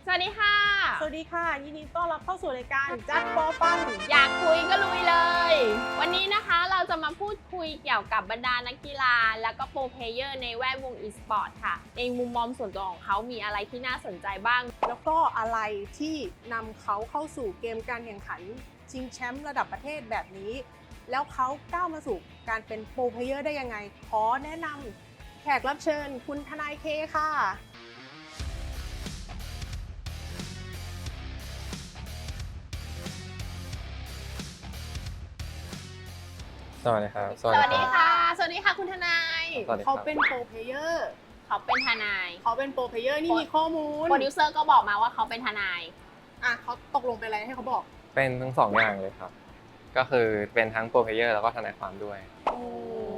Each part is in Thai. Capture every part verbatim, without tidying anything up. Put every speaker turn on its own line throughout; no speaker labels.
สวัสดีค่ะ
สวัสดีค่ะยินดีต้อนรับเข้าสู่รายการจัดโปรฟัน
อยากคุยก็ลุยเลย วันนี้นะคะเราจะมาพูดคุยเกี่ยวกับบรรดานักกีฬาแล้วก็โปรเพลเยอร์ในแวดวงอีสปอร์ตค่ะในมุมมองส่วนตัวของเขามีอะไรที่น่าสนใจบ้าง
แล้วก็อะไรที่นำเขาเข้าสู่เกมการแข่งขันชิงแชมป์ระดับประเทศแบบนี้แล้วเขาก้าวมาสู่การเป็นโปรเพลเยอร์ได้ยังไงขอแนะนำแขกรับเชิญคุณทนายเคค่ะ
สวัสดีครับ
สวัสดีค่ะสวัสดีค่ะคุณทนาย
เขาเป็นโปรเพลเยอร์
เขาเป็นทนาย
เขาเป็นโปรเพลเยอร์นี่มีข้อมูล
โปรดิวเซอร์ก็บอกมาว่าเขาเป็นทนาย
อ่ะเขาตกลงเป็นอะไรให้เขาบอก
เป็นทั้งสองอย่างเลยครับก็คือเป็นทั้งโปรเพลเยอร์แล้วก็ทนายความด้วย
โอ้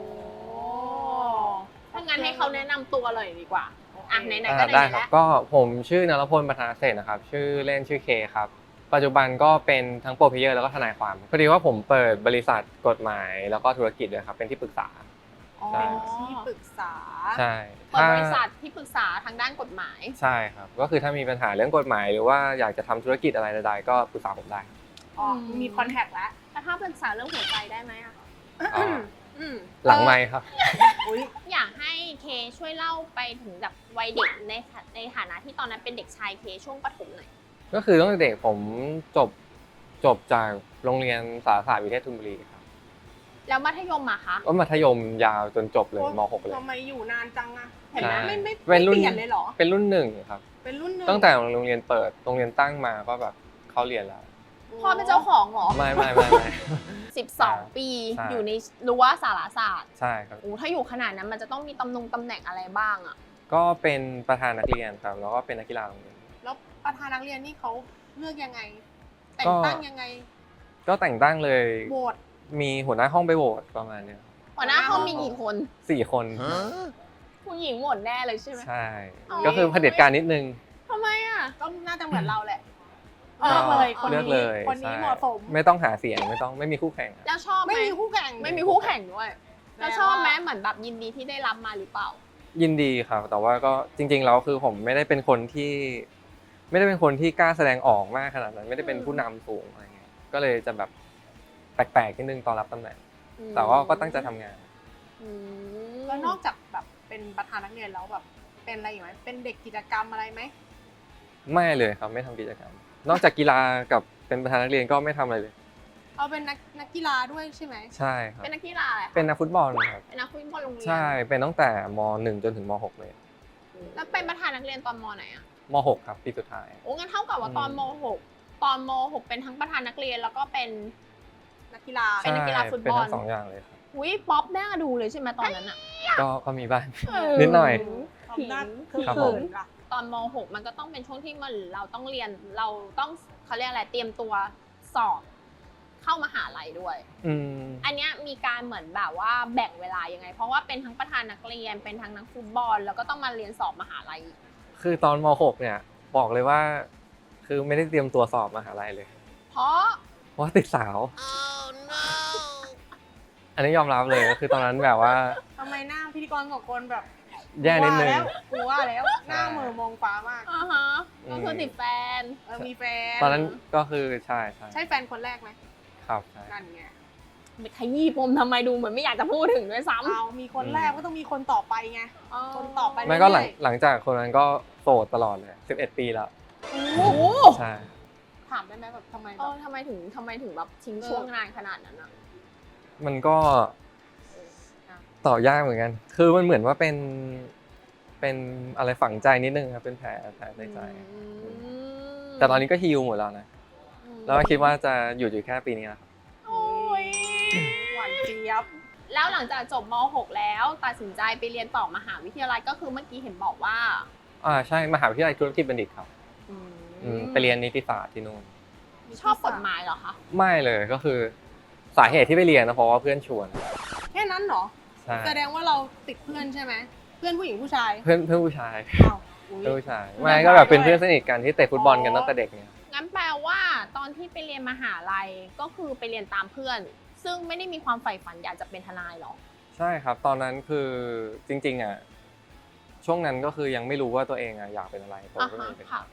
ถ้างั้นให้เขาแนะนำตัวเลยดีกว่าอ่ะไหนๆก็
ได้
ไหนๆ
ครับ
แล้ว
ก็ผมชื่อนรพลประธานเศรษฐ์นะครับชื่อเล่นชื่อเคครับปัจจุบันก็เป็นทั้งโปรเพลเยอร์แล้วก็ทนายความพอดีว่าผมเปิดบริษัทกฎหมายแล้วก็ธุรกิจด้วยครับเป็นที่ปรึกษา
เป็นที่ปรึกษา
ใช่
เปิดบริษัทที่ปรึกษาทางด้านกฎหมาย
ใช่ครับก็คือถ้ามีปัญหาเรื่องกฎหมายหรือว่าอยากจะทำธุรกิจอะไรใดๆก็ปรึกษาผมได้
อ๋อมีคอนแทคแล้ว
แล้วถ้าปรึกษาเรื่องหัวใจได้ไหมอะ
หลังไมค์ครับ
อยากให้เคช่วยเล่าไปถึงแบบวัยเด็กในในฐานะที่ตอนนั้นเป็นเด็กชายเคช่วงประถมหน่อย
ก็คือตั้งแต่เด็กผมจบจบจากโรงเรียนสารศาสตร์วิเทศธนบุรีครับ
แล้วมัธยมอะคะ
ก็มัธยมยาวจนจบเลยม หก เลย
ทำไมอยู่นานจังอะเห็นไหมไม่ไม่
เป
เปลี่ยนเลยเหรอ
เป็นรุ่นหนึ่งครับ
เป็นรุ่นหนึ่ง
ตั้งแต่โรงเรียนเปิดโรงเรียนตั้งมาก็แบบเขาเรียนแล้ว
พ่อเป็นเจ้าของเหรอ
ไม่ไม่ไม่ไม่
สิบสองปีอยู่ในรั้วสารศาสตร์
ใช่ครับ
โอ้ถ้าอยู่ขนาดนั้นมันจะต้องมีตำแหน่งตำแหน่งอะไรบ้างอะ
ก็เป็นประธานนักเรียนครับแล้วก็เป็นนักกีฬาโรงเรียน
แล้วประธานนักเรียนนี่เขาเลือกยังไงแต่งตั้งยังไง
ก็แต่งตั้งเลย
โหวต
มีหัวหน้าห้องไปโหวตประมาณนี้
หัวหน้าห้องมีกี่คน
สี่คน
ผู้หญิงหมดแน่เลยใช่ไหม
ใช่ก็คือเผด็จการนิดนึง
ทำไมอ่ะ
ก็น่าจะเหมือนเราแหละเลือกเลยคนนี้คนนี้เหมาะสม
ไม่ต้องหาเสียงไม่ต้องไม่มีคู่แข่ง
แล้วชอบไหม
ไม่มีคู่แข่ง
ไม่มีคู่แข่งด้วยแล้วชอบไหมเหมือนแบบยินดีที่ได้รับมาหรือเปล่า
ยินดีครับแต่ว่าก็จริงๆแล้วคือผมไม่ได้เป็นคนที่ไม่ได้เป็นคนที่กล้าแสดงออกมากขนาดนั้นไม่ได้เป็นผู้นำสูงอะไรเงี้ยก็เลยจะแบบแปลกๆนิดนึงตอนรับตำแหน่งแต่ว่าก็ตั้งใจทำงาน
แล้วนอกจากแบบเป็นประธานนักเรียนแล้วแบบเป็นอะไรอีกไหมเป็นเด็กกิจกรรมอะไรไหม
ไม่เลยครับไม่ทำกิจกรรมนอกจากกีฬากับเป็นประธานนักเรียนก็ไม่ทำอะไรเลย
เอาเป็นนักนักกีฬาด้วยใช่ไหม
ใช่ครับ
เป็นนักกีฬาอะไร
เป็นนักฟุตบอลครับ
เป็นนักฟุตบอลโรงเรียน
ใช่เป็นตั้งแต่ม.หนึ่งจนถึงม.หกเลย
แล้วเป็นประธานนักเรียนตอนม.ไหนอะ
ม.หกครับปีสุดท้าย
โอ้งั้นเท่ากับว่าตอนม.หกตอนม.หกเป็นทั้งประธานนักเรียนแล้วก็เป็น
นักกีฬา
เป็นนักกีฬาฟุตบอล
เป็นทั้งสองอย่างเลยครับ
อุ้ยป๊อปน่าดูเลยใช่ไหมตอนนั้นอะ
ก็ก็มีบ้างนิดหน่อย
ผิงคือ
ตอนม.หกมันก็ต้องเป็นช่วงที่มันเราต้องเรียนเราต้องเขาเรียกอะไรเตรียมตัวสอบเข้ามหาลัยด้วยอันนี้มีการเหมือนแบบว่าแบ่งเวลายังไงเพราะว่าเป็นทั้งประธานนักเรียนเป็นทั้งนักฟุตบอลแล้วก็ต้องมาเรียนสอบมหาลัย
คือตอนม.หกเนี่ยบอกเลยว่าคือไม่ได้เตรียมตัวสอบมหาลัยเลย
เพราะ
เพราะติดสาว
oh, no.
อันนี้ยอมรับเลยคือตอนนั้นแบบว่า
ทำไมหน้าพิธีกรสองคนแบบ
แย่นิดนึง
กลัวแล้วหน้าเหม่อมองฟ้ามาก
อ่าฮะก็คือติดแฟน
เออมีแฟน
ตอนนั้นก็คือใช่ใช่
ใช่แฟนคนแรกไหม
ครับใช่
นั่นไง
ไปขยี้ปมทำไมดูเหมือนไม่อยากจะพูดถึงด้วยซ้ำ
เอามีคนแรกก็ต้องมีคนต่อไปไงคนต่อไป
ไม่ก็หลังหลังจากคนนั้นก็โสดตลอดเลยสิบเอ็ดปีแล้ว
โอ้โห
ใช่
ถามได้ไหมแบบทำไม
เออทำไมถึงทำไมถึงแบบทิ้งช่วงนานขนาดนั้นอ่ะ
มันก็ต่อยากเหมือนกันคือมันเหมือนว่าเป็นเป็นอะไรฝังใจนิดนึงครับเป็นแผลแผลในใจแต่ตอนนี้ก็ฮีลหมดแล้วนะแล้วคิดว่าจะหยุดอยู่แค่ปีนี้แล้ว
โอ้ย
หวานเจี๊ยบ
แล้วหลังจากจบม.หกแล้วตัดสินใจไปเรียนต่อมหาวิทยาลัยก็คือเมื่อกี้เห็นบอกว่า
อ่าใช่มหาวิทยาลัยธุรกิจบัณฑิตครับไปเรียนนิติศาสตร์ที่นู่น
ชอบกฎหมายเหรอคะ
ไม่เลยก็คือสาเหตุที่ไปเรียนนะเพราะว่าเพื่อนชวน
แค่นั้นเหรอแสดงว่าเราติดเพื่อนใช่ไหมเพื่อนผู้หญิงผู้ชาย
เพื่อนเพื่อนผู้ชายเพื่อนผู้ชายไม่ก็แบบเป็นเพื่อนสนิทกันที่เตะฟุตบอลกันตั้งแต่เด็กเนี่ย
งั้นแปลว่าตอนที่ไปเรียนมหาลัยก็คือไปเรียนตามเพื่อนซึ่งไม่ได้มีความใฝ่ฝันอยากจะเป็นทนายหรอ
ใช่ครับตอนนั้นคือจริงๆอ่ะช่วงนั้นก็คือยังไม่รู้ว่าตัวเองอ่ะอยากเป็นอะไรผมก็เลยเป็น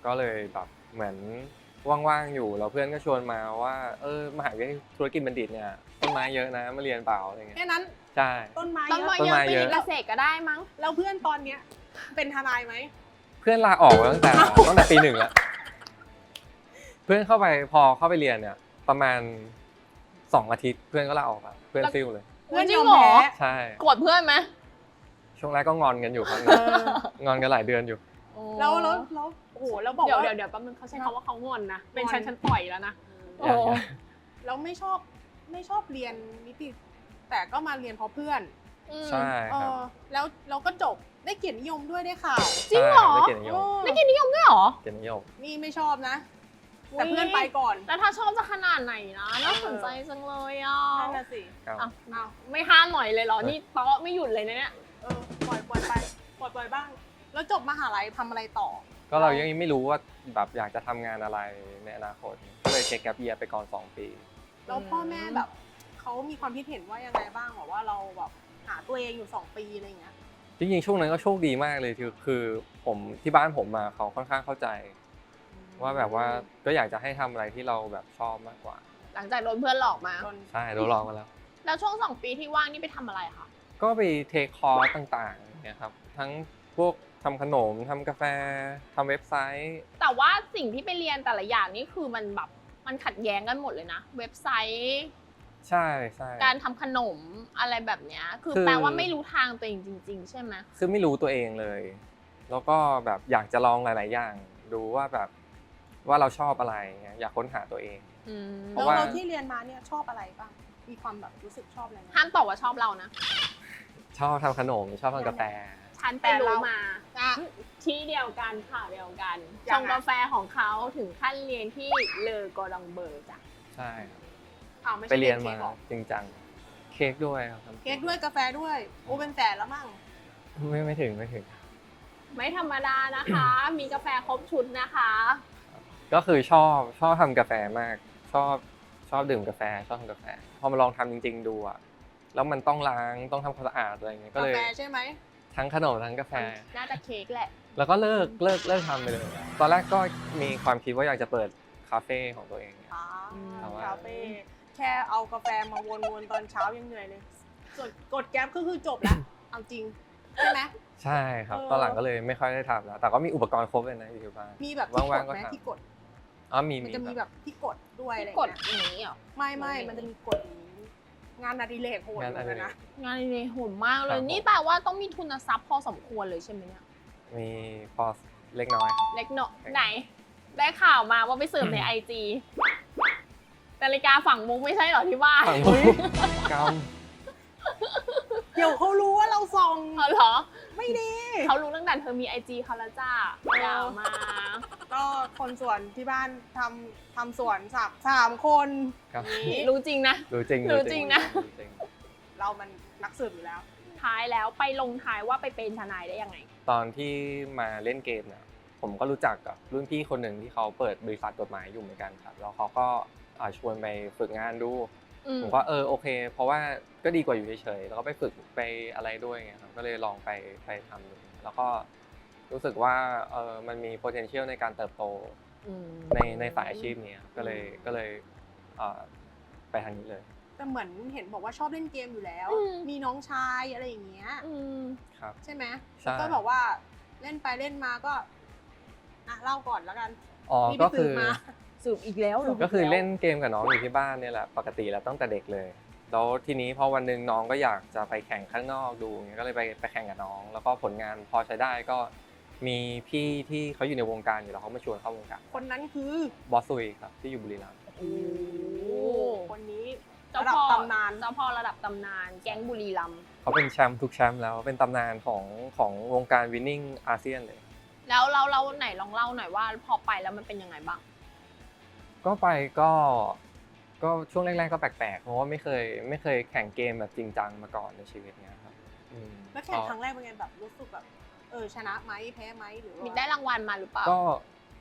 ก็เลยแบบเหมือนว่างๆอยู่แล้วเพื่อนก็ชวนมาว่าเออมหาวิทยาลัยธุรกิจบัณฑิตเนี่ยต้นไม้เยอะนะมาเรียนเปล่าอะไรเงี้ย
แค่นั้น
ใช่
ต้นไม้
ต้น
เย
ไม้
อะ
เยอะ
ต้นไม้
ไป
เย
เรี
อะ
ยนเกษตรก็ได้มั้ง
แล้วเพื่อนตอนเนี้ยเป็นทนายไหม
เพื่อนลาออกมาตั้งแต่ ตั้งแต่ปีหนึ่งแล้วเพื่อนเข้าไปพอเข้าไปเรียนเนี่ยประมาณสองอาทิตย์เพื่อนก็ลาออกแล้วเพื่อนซิ่วเลย
เพื่อน
จริ
ย
ง
อม
เหรอ
แพ้
ใช่
โกรธเพื่อนไหม
ช่วงแรกก็งอนกันอยู่ครับ
เออ
งอนกันหลายเดือนอยู่
แล้วแล้วแล้วโอ้โหแล้วบอก
เดี๋ยว
ว่า
เดี๋ยวเดี๋ยวแป๊บนึงเขาใช้คำว่าเขางอนนะ เป็น
งอน
ฉันฉันปล่อยแล้วนะ
เอ
โอ้
อแล้วไม่ชอบไม่ชอบเรียนนิติแต่ก็มาเรียนเพราะเพื่อน
อืม
ใช่
เอ
ครับ
อแล้วเราก็จบได้เกียรตินิยมด้วยได้ข่าว
จริงเหรอ
ใช่ได้เกียรตินิยม
เออ
ได้กินนิยมด้วยเหรอ
เกียรตินิยม
นี่ไม่ชอบนะ แต่เพื่อนไปก่อน
แล้วถ้าชอบจะขนาดไหนนะน่าสนใจจังเลยอ่ะ
นั่นน่ะสิ
ครับ
อ่ะ
อ้าว
ไม่ห้ามหน่อยเลยเหรอ นี่เตาะไม่หยุดเลยนะเนี่ย
เออปล่อยปล่อยไปปล่อยปล่อยบ้าง แล้วจบมหาลัยทำอะไรต่อ
ก็เรายังไม่รู้ว่าแบบอยากจะทำงานอะไรในอนาคตก็เลยเทคแกปเยียร์ไปก่อนสองปี
แล้วพ่อแม่แบบเขามีความคิดเห็นว่ายังไงบ้างบอกว่าเราแบบหาตัวเองอยู่สองปีอะไรอย่างเงี้ย
จริงๆช่วงนั้นก็โชคดีมากเลยคือคือผมที่บ้านผมมาเขาค่อนข้างเข้าใจ ว่าแบบว่าก็อยากจะให้ทำอะไรที่เราแบบชอบมากกว่า
หลังจากโดนเพื่อนหลอกมา
จน
ใช่เราลองมาแล้ว
แล้วช่วงสองปีที่ว่างนี่ไปทำอะไรคะ
ก็ไปเทคคอร์สต่างๆเนี่ยครับทั้งพวกทำขนมทำกาแฟทำเว็บไซต์
แต่ว่าสิ่งที่ไปเรียนแต่ละอย่างนี่คือมันแบบมันขัดแย้งกันหมดเลยนะ เว็บไซต์
ใช่ใช่
การทำขนมอะไรแบบเนี้ย คือ
คือ
แปลว่าไม่รู้ทางตัวเองจริง ๆ ใช่ไหม
คือไม่รู้ตัวเองเลย แล้วก็แบบอยากจะลองหลาย ๆ อย่าง ดูว่าแบบว่าเราชอบอะไรเงี้ยอยากค้นหาตัวเอง
อืม
เพ
แล้ว
ราะว่า
เราที่เรียนมาเนี่ยชอบอะไรบ้าง มีความแบบรู้สึกชอบอะไรไหม
ห้ามตอบว่าชอบเรานะ
ชอบทำขนมชอบทำกาแฟ
ฉันไปรู้มา
อ่ะ
ที่เดียวกันข่าวเดียวกัน
ยั
ช
ง
ง
ไง
กาแฟของเขาถึงขั้นเรียนที่เลอกอดองเบอร์จ้ะ
ใช่ครับ
อ้าวไม่ใช่
ไปเรียน
ค้
มาก
หรอ
จริงจังเค้กด้วยครับทำ
เค้กด้วยกาแฟด้วยโอ้เป็นแสนแล้วมั้ง
ไม่ไม่ถึงไม่ถึง
ไม่ธรรมดานะคะ มีกาแฟครบชุดนะคะ
ก็คือชอบชอบทำกาแฟมาก ชอบชอบดื่มกาแฟชอบทำกาแฟพอมาลองทำจริง ๆ ดูอะแล้วมันต้องล้างต้องทำความสะอาดอะไรอย่างเงี้ยก็
กา
เลย
แฟใช่ไหม
ทั้งขนมทั้งกาแฟ
น่าจะเค้กแหละ
แล้วก็เลิกเลิกเลิกทำไปเลย ตอนแรกก็มีความคิดว่าอยากจะเปิดคาเฟ่ของตัวเองเนี่ย
อ่า
แต่ว่า
คาเฟ่แค่เอากาแฟมาวนๆตอนเช้ายังเหนื่อยเลย ส่วนกดแก๊ปก็คือจบแล้ว เอาจริง ใช่ไหม
ใช่ครับ
เออ
ตอนหลังก็เลยไม่ค่อยได้ทำแล้ว แต่ก็มีอุปกรณ์ครบเลยนะอยู่ที่บ้าน
มีแบบที่ก
ว่า
ด
งๆก็
ไหม
ทำ
ที่กด
อ๋อมี
มัน
มี
จะมี
ค
แบ
รับบ
ที่กดด้วยอะไร
ที่กด
เงี้ย
อย่างนี้เหรอ
ไม่ไม่
ไม่
มันจะมีกดอย่างนี้ งานอดิเรกโหด
งาน
เห
อ
มือน
ดิ
กัน
เร
นะ
ก
งานในโหดมากเล
ครั
ย
บผม
นี่แปลว่าต้องมีทุนทรัพย์พอสมควรเลยใช่ไหมเนี่ย
มีพอเล็กน้อยครับ
เล็กเนาะไหน ได้ข่าวมาว่าไปเสิร์ฟในไอจีนาฬิกาฝั่งมุกไม่ใช่เหรอที่บ้าน
ฝั่งมุก ก
เดี๋ยวเขารู้ว่าเราส่อง
เอาเหรอ
ไม่ดี
เขารู้ตั้งแต่เธอมีไอจีเขาแล้วจ้าอย่ามา
ก็คนสวนที่บ้านทำทำสวนสามสามคน
ครับ
นี่
รู้จริงนะ
รู้จริง
รู้จริงนะ
รู้จริง
เรามันนักสืบอยู่แล้ว
ท้ายแล้วไปลงท้ายว่าไปเป็นทนายได้ยังไง
ตอนที่มาเล่นเกมเนี่ยผมก็รู้จักกับรุ่นพี่คนหนึ่งที่เขาเปิดบริษัทกฎหมายอยู่เหมือนกันครับแล้วเขาก็อ่าชวนไปฝึกงานดู
อืม
ผมก็เออโอเค เพราะว่าก็ดีกว่าอยู่เฉยๆแล้วก็ไปฝึกไปอะไรด้วยไงครับก็เลยลองไปไปทำดูแล้วก็รู้สึกว่าเออมันมี potential ในการเติบโต
อืม
ในในสายอาชีพนี้ครับก็เลยก็เลยเอ่อไปทางนี้เลย
แต่เหมือนเห็นบอกว่าชอบเล่นเกมอยู่แล้ว
อืม
มีน้องชายอะไรอย่างเงี้ย
อืม
ครับ
ใช่ไหม
ใช่
แล้วก็บอกว่าเล่นไปเล่นมาก็อ่ะเล่าก่อนแล้วกัน
อ๋อ
นี่
ก็
ไป
คื
สืบ
อ
มา
สืบอีกแล้วหรอ
ก็คือเล่นเกมกับน้องอยู่ที่บ้านเนี่ยแหละปกติแล้วตั้งแต่เด็กเลย แล้วทีนี้พอวันหนึ่งน้องก็อยากจะไปแข่งข้างนอกดูเงี้ยก็เลยไปไปแข่งกับน้อง แล้วก็ผลงานพอใช้ได้ก็มีพี่ที่เขาอยู่ในวงการอยู่แล้วเขามาชวนเข้าวงการ
คนนั้นคือบ
อสซุยครับที่อยู่บุรีรัมย์
โอ้คนนี้
เจ้า
ระดับ
พ่อ
ตำนาน
เจ้าพ่อระดับตำนาน แก๊งบุรีรัมย์
เขาเป็นแชมป์ทุกแชมป์แล้วเป็นตำนานของของวงการวินนิ่งอาเซียนเลย
แล้วเราเราไหนลองเล่าหน่อยว่าพอไปแล้วมันเป็นยังไงบ้าง
ก็ไปก็ก็ช่วงแรกๆก็แปลกๆเพราะว่าไม่เคยไม่เคยแข่งเกมแบบจริงจังมาก่อนในชีวิตเนี้ยครับอืม
แล้วแข่งครั้งแรกเป็นไงแบบรู้สึกแบบเออชนะไหมแพ้ไหมหรือว่า
มีได้รางวัลมาหรือเปล่า
ก็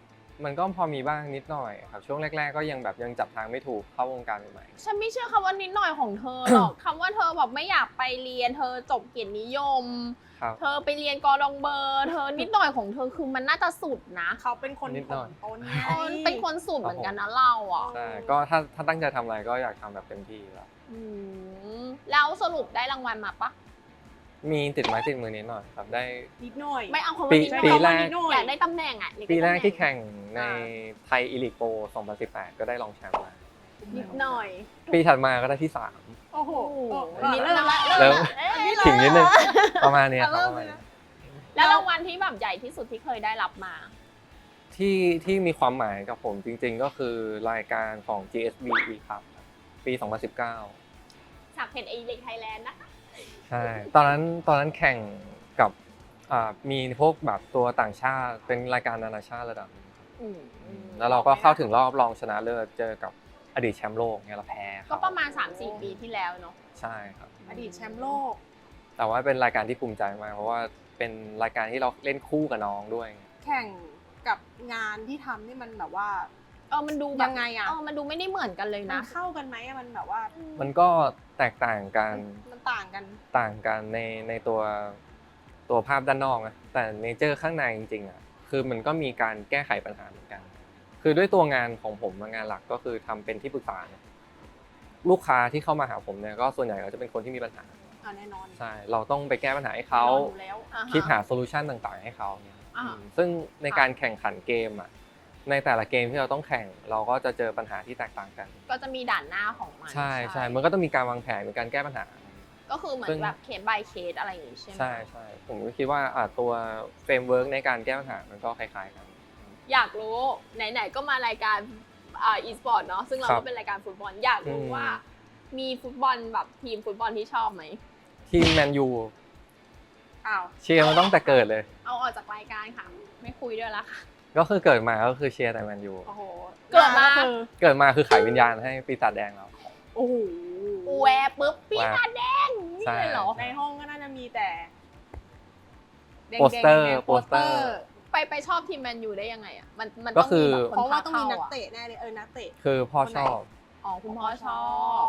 มันก็พอมีบ้างนิดหน่อยครับช่วงแรกๆก็ยังแบบยังจับทางไม่ถูกเข้าวงการใหม่ๆ
ฉันไม่เชื่อคำว่านิดหน่อยของเธอหรอก คำว่าเธอแบบไม่อยากไปเรียนเธอจบเกียรตินิยม
ครับ
เธอไปเรียนกอดองเบอร์เธอนิดหน่อยของเธอคือมันน่าจะสุดนะ
เขาเป็นคน
นิดหน่อย
ต้นไง
เออเป็นคนสุดเหมือนกันนะเราอ่ะ
ใช่ก็ถ้าถ้าตั้งใจทำอะไรก็อยากทำแบบเต็มที่แล้ว
อืมแล้วสรุปได้รางวัลมาปะ
มีติดไม้ติดมือนิดหน่อยครับได้
นิดหน่อย
ไม่เอาคำ
ปี
ว่านิดหน่อย
ปีแรก
นิดหน่อย
อยากได้ตำแหน่งอ่ะอยา
ปี
ได้
แรก
ตำหน่ง
ที่แข่งใน
อ่า
ไทยอีลิกโปสองพันสิบแปดก็ได้รองแชมป์มา
นิดหน่อย
ปีถัดมาก็ได้ที่สาม
โอ้โห
โอ้
เออ
นิด
เริ่
ห
ม
น่อ
ละ
ย
เริ่ม
เอ๊ะ
ถึงนิดนึงประมาณเนี้ยครับ
เริ่
ป
ม
ระมาณ
เลย
นี้
นะ
แล้วรางวัลที่แบบใหญ่ที่สุดที่เคยได้รับมา
ที่ที่มีความหมายกับผมจริงๆก็คือรายการของ จี เอส บี ครับปีสองพันสิบเก้า
จากเพจเอเล็กไทยแลนด์นะคะ
ใช่ตอนนั้นตอนนั้นแข่งกับอ่ามีพวกแบบตัวต่างชาติเป็นรายการนานาชาติระดับหนึง
อืม
แล้วเราก็เข้าถึงรอบรองชนะเลิศเจอกับอดีตแชมป์โลกเนี่ยเราแพ้เข
ก็ประมาณ สามสี่ ปีที่แล้วเนาะ
ใช่ครับ
อดีตแชมป์โลก
แต่ว่าเป็นรายการที่ภูมิใจมากเพราะว่าเป็นรายการที่เราเล่นคู่กับน้องด้วย
แข่งกับงานที่ทำนี่มันแบบว่า
เออมันดูแบบ
ยังไงอะ
เออมันดูไม่ได้เหมือนกันเลย
มัน
นะ
เข้ากันไหมอะมันแบบว่า
มันก็แตกต่างกัน
มันต่างกัน
ต่างกันในในตัวตัวภาพด้านนอกนะแต่เนเจอร์ข้างในจริงๆอ่ะคือมันก็มีการแก้ไขปัญหาเหมือนกัน คือด้วยตัวงานของผมงานหลักก็คือทำเป็นที่ปรึกษาเนี่ยลูกค้าที่เข้ามาหาผมเนี่ยก็ส่วนใหญ่ก็จะเป็นคนที่มีปัญหา
อ่าแน่นอน
ใช่เราต้องไปแก้ปัญหาให้เขา
แน่นอนอยู่แล้ว
อ่าฮะ
คิดหาโซลูชันต่างๆ ให้เขาเนี่ย
อ่า
อืมซึ่งในการแข่งขันเกมอ่ะในแต่ละเกมที่เราต้องแข่งเราก็จะเจอปัญหาที่แตกต่างกัน
ก็จะมีด่านหน้าของมัน
ใช่ใช่มันก็ต้องมีการวางแผนมีการแก้ปัญหา
ก็คือเหมือ
ซึ่
น
ง
แบบเคส by เคสอะไรอย่างงี้ใช่ไหม
ใช่ใช่ผมก็คิดว่าอ่ะตัวเฟรมเวิร์กในการแก้ปัญหามันก็คล้ายๆกัน
อยากรู้ไหนๆก็มารายการอ่าอีสปอร์ตเนาะซึ่งเรา
ครั
ก็
บ
เป็นรายการฟุตบอลอยากรู้
อืม
ว่า มีฟุตบอลแบบทีมฟุตบอลที่ชอบไหม
ทีมแมนยู
อ้าว
เชียร์มันต้องแต่เกิดเลย
เอาออกจากรายการค่ะ ไม่คุยด้วยละค่ะ
ก็คือเกิดมาก็คือเชียร์แต่แมนยู
โอ้โหเกิดมา
คือ
เกิดมาคือขายวิญญาณให้ปีศาจแดงเรา
โอ้โห
แวร์ปุ๊บปีศาจแดงนี่
ใช่
เลยเหรอ
ในห้องก็น่าจะมีแต่แดงๆ
โปสเตอร์
แดงๆ
โปสเตอร์
ไปไปชอบทีมแมนยูได้ยังไงอ่ะมันมัน
ก็
ต้อง
คื
มี
อ
แบบคน
เพราะว่า
พ
ต้องมีนัก
ข้ะ
เตะแน่เลยเออนักเตะ
คือพ่อ
คนไหน
ชอบ
อ๋อคุณพ่อชอบ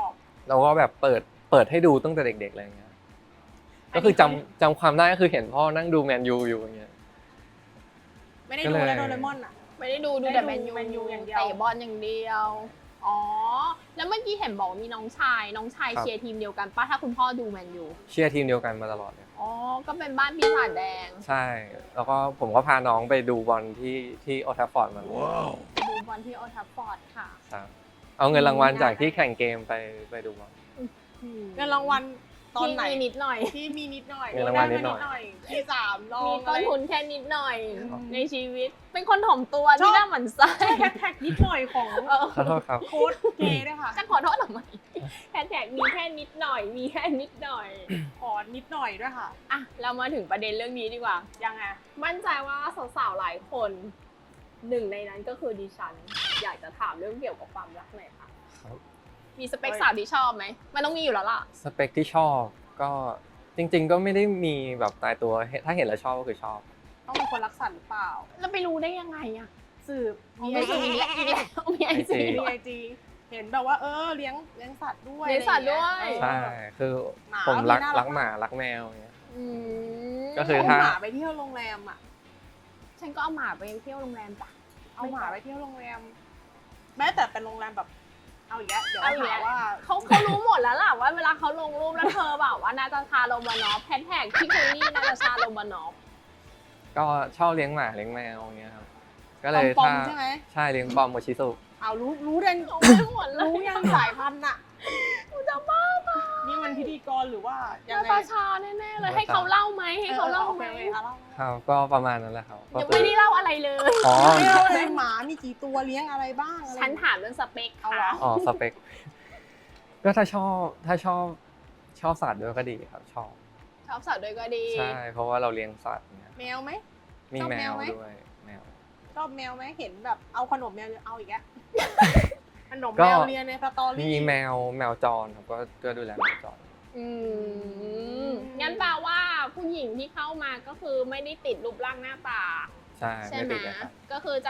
เราก็แบบเปิดเปิดให้ดูตั้งแต่เด็กๆอะไรเงี้ยก็คือจำจำความได้ก็คือเห็นพ่อนั่งดูแมนยูอยู่อย่างเงี้ย
ไม่ได้
ก็
ดู
เลย
แล้วโดเรมอนอ่ะ
ไม่ได้ดูดู
ได้
แต่
ดู
แมนยู
แมนยูอย่างเดียว
เตะบอลอย่างเดียวอ๋อแล้วเมื่อกี้เห็นบอกว่ามีน้องชายน้องชาย
ครับ
เชียร์ทีมเดียวกันป้าถ้าคุณพ่อดูแมนยู
เชียร์ทีมเดียวกันมาตลอดเลย
อ๋อก็เป็นบ้านปีศาจแดง
ใช่ แล้วก็ผมก็พาน้องไปดูบอลที่ที่โอลด์แทัฟฟอร์ดมา
ดูบอลที่โอลด์แทัฟฟอร์ดค่ะ
ครับเอาเงินรางวัลจากที่แข่งเกมไปไปดูบอล
เงินรางวัลตอนไหน
ที่มีนิดหน่อย
ที่มีนิดหน่อย
เงินรางวัลนิดหน่อย
ได้มาที่สามรอง
มีต้นทุนแค่นิดหน่อย
อืม
ในชีวิต เป็นคนถ่อมตัวที่น่าหมั่นไส้
ใช่แฮชแท็กนิดหน่อยของ
เออ
ขอโทษครับ
โค้ดเกย์ด้วยค่ะ
จะขอโทษทำไมแฮชแท็กมีแค่นิดหน่อย มีแค่นิดหน่อย
ขอนิดหน่อยด้วยค่ะ
อ่ะเรามาถึงประเด็นเรื่องนี้ดีกว่า
ยังไง
มั่นใจว่าสาวๆหลายคนหนึ่งในนั้นก็คือดิฉัน อยากจะถามเรื่องเกี่ยวกับความรักหน่อยค่ะ
ครับ
มีสเปคสาวที่ชอบไหมมันต้องมีอยู่แล้วล่ะ
สเปคที่ชอบก็จริง ๆ ก็ไม่ได้มีแบบตายตัวถ้าเห็นแล้วชอบก็คือชอบ
ต้องเป็นคนรักสัตว์หรือเปล่า
แล้วไปรู้ได้ยังไงอะ
สืบ
มีไอจีอีกแล้วอีกแล้วมีไอจี
มีไอจีเห็นแบบว่าเออเลี้ยงเลี้ยงสัตว์ด้วย
เลี้ยงสัตว์ด้วย
อะไรอางเงี้
ใช่ คือ
หมา
ผมรัก
มีน่ารัก
รักหมารักแมวอย่างเงี้ย
อืม
ก็คือ
เอา
ถ้า
หมาไปเที่ยวโรงแรมอ่ะ
ฉันก็เอาหมาไปเที่ยวโรงแรมจ้ะ
เอาหมาไปเที่ยวโรงแรม แม้แต่เป็นโรงแรมแบบ เอาอีกแล้วเดี๋ยว
เอาอีก
หา
แล้ว
ว่า
เขาเขารู้หมดแล้วล่ะว่าเวลาเขาลงรูปแล้วเธอแบบว่านาตาชาโรมานอฟแฮชแท็กพี่เคลลี่นาตาชาโรมานอฟ
ก็ชอบเลี้ยงหมาเลี้ยงแมวอย่างเงี้ยครับ ก็เลย
ปอ
ถ้าม
ๆใช่ไหม
ใช่เลี้ยงปอมโมชิสุ
เอารู้รู้เด่น
รู้ไม่หมดเลย
รู้ยังสายพันธุ์อ่ะ
กูจะบ้าตาย
นี่มันพิธีกรหรือว่ายัง
นา
ไง
ตาชาแน่ๆเลยให้เขาเล่าไหมให้เขาเล่า
ออ
ไหม
โอคโอเคเอาเล่า
ครับก็ประมาณนั้นแหละครับก็
ยัง
คื
ไม่
อ
ได้เล่าอะไรเลย
อ๋อ
ไม่เอาอะไรหมามีกี่ตัวเลี้ยงอะไรบ้างอะไร
ฉันถามเรื่องสเปค
เอาเหรอ
ค่ะ
อ๋อสเปค ก็ถ้าชอบถ้าชอบชอบสัตว์ด้วยก็ดีครับ ชอบ
ชอบสัตว์ด้วยก็ดี
ใช่ เพราะว่าเราเลี้ยงสัตว์เนี่ย
แมวไหม
มี
ชอบ
แม
แมว
ว
ไหม
ด้วยแมว
ชอบแมวไหมเห็นแบบเอาขนมแมวเอาอีกแล้ว ขนม
ก็
แมวเรียนในสตอรี่
มีแมวแมวจรครับก็ก็ดูแลแมวจร
อืมงั้นแปลว่าผู้หญิงที่เข้ามาก็คือไม่ได้ติดรูปร่างหน้าตา
ใช่
ใช่
ไม่
ไหม
ติดเลยครับ
ก็คือจะ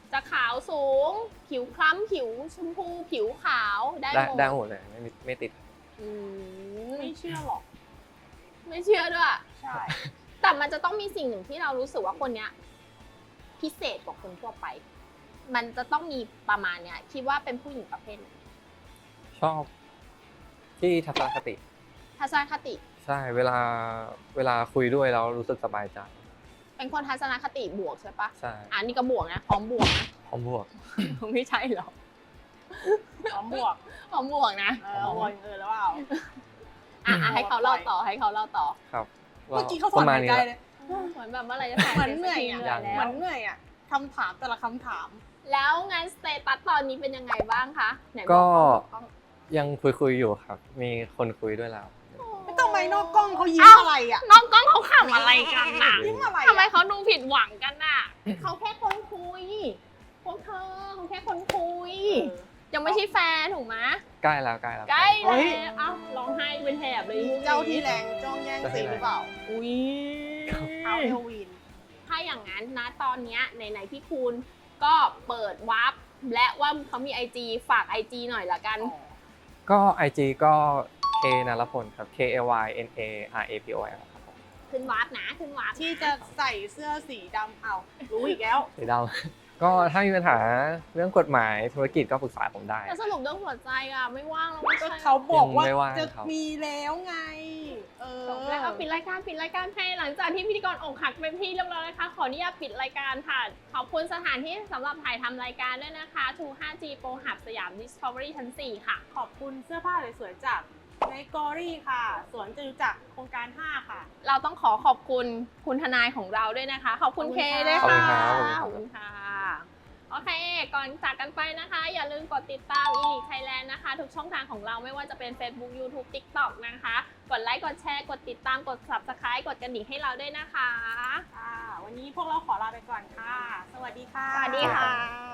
จะขาวสูง ผิวคล้ำผิวชมพูผิวขาวได้
ได้
หมด
ได้หมดเลยไม่มีไม่ติด
อืม
ไม่เชื่อหรอก
ไม่เชื่อด้วย
ใช่
แต่มันจะต้องมีสิ่งหนึ่งที่เรารู้สึกว่าคนเนี้ยพิเศษกว่าคนทั่วไป มันจะต้องมีประมาณเนี้ยคิดว่าเป็นผู้หญิงประเภทไหน
ชอบที่ทัศนคติ
ทัศนคติ
ใช่เวลาเวลาคุยด้วยแล้วรู้สึกสบายใจ
เป็นคนทัศนคติบวกใช่ปะ
ใช่
อ่านี่ก็บวกนะพร้อมบวกนะ
พร้อมบวก
ไม่ใช่หรอ
พร้อมบวก
พร้อมบวกนะ
เออวนเออแล้วเปล่า
อ่ะอ่ะให้เขาเล่าต่อให้เขาเล่าต่อ
ครับ
เมื่อกี้เขาสอน
ประมาณ
หาย
นี้
ใจ
แหละ
เลย
เหมือนแบบเมื่อไหรจะถ่าย
เหมือนเหนื่อย
ส
อ่ะ
ร็จสักที
เหมือน
แล้ว
เหนื่อยอ่ะคำถามแต่ละคำถาม
แล้วงานสเตตัสตอนนี้เป็นยังไงบ้างคะไหนบอ
ก็
กล้อง
ยังคุยคุยๆอยู่ครับ มีคนคุยด้วยแล้ว
ไม่ต้องไปนอกกล้องเขายิ้ม
เอ้า
อะไรอ่ะ
น้องกล้องเขาขำอะไรกันน่ะ
ยิ้มอะไร
ทำไม
อะ
เขาดูผิดหวังกันน่ะ เขาแค่คนคุย พวกเธอเขาแค่คนคุย ยังไม่ใช่แฟนถูกไหม
ใกล้แล้วใกล้แล้ว
ใกล้
เฮ้
แล้ว
ย
เอ้าร้องไห้เป็นแถบเลย
เจ้าที่แรงจ้องแย่งซีนหรือเปล่า
อุ้ย
เท้าเฮลวีน
ถ้าอย่างนั้นนะตอนเนี้ยไหนๆพี่คูณก็เปิดวาร์ปและว่าเขามี ไอ จี ฝาก ไอ จี หน่อยละกัน
ก็ ไอ จี ก็ K นรพลครับ K A Y N A R A P O L ครับผม
ขึ้นวาร์ปนะขึ้นวาร์ป
ที่จะใส่เสื้อสีดำเอารู้อีกแล้ว
สีดำ ก็ถ้ามีปัญหาเรื่องกฎหมายธุรกิจก็ปรึกษาผมได้
แต่สรุปเรื่องหัวใจอ่ะไม่ว่างแล้วไม่
ก็
ใช่
เขาบอกว่า
ยังไม่ว่าง
จะ
ครับ
มีแล้วไง เออ
จบแล้วเอาปิดรายการปิดรายการให้หลังจากที่พิธีกรอกหักเป็นที่เรียบร้อยนะคะขออนุญาตปิดรายการค่ะขอบคุณสถานที่สำหรับถ่ายทำรายการด้วยนะคะ ทู ไฟว์ จี Pro Hub สยาม Discovery ชั้น สี่ ค่ะ
ขอบคุณเสื้อผ้าสวยๆจากในกอรี่ค่ะ สวนจตุจักรโครงการ ห้า ค่ะ
เราต้องขอขอบคุณคุณทนายของเราด้วยนะคะ ขอบคุณ
ขอบ
เค
คุณค่ะ
ด้วย
ขอบ
ค่ะ
คุณครับ
ขอบคุณค่ะ โอเค ก่อนจากกันไปนะคะ อย่าลืมกดติดตาม อี ลีก Thailand นะคะ ทุกช่องทางของเราไม่ว่าจะเป็น Facebook YouTube TikTok นะคะ กดไลค์ กดแชร์ กดติดตาม กด Subscribe กดกระดิ่งให้เราด้วยนะคะ
ค่ะ วันนี้พวกเราขอลาไปก่อนค่ะ สวัสดีค่ะ
สวัสดีค่ะ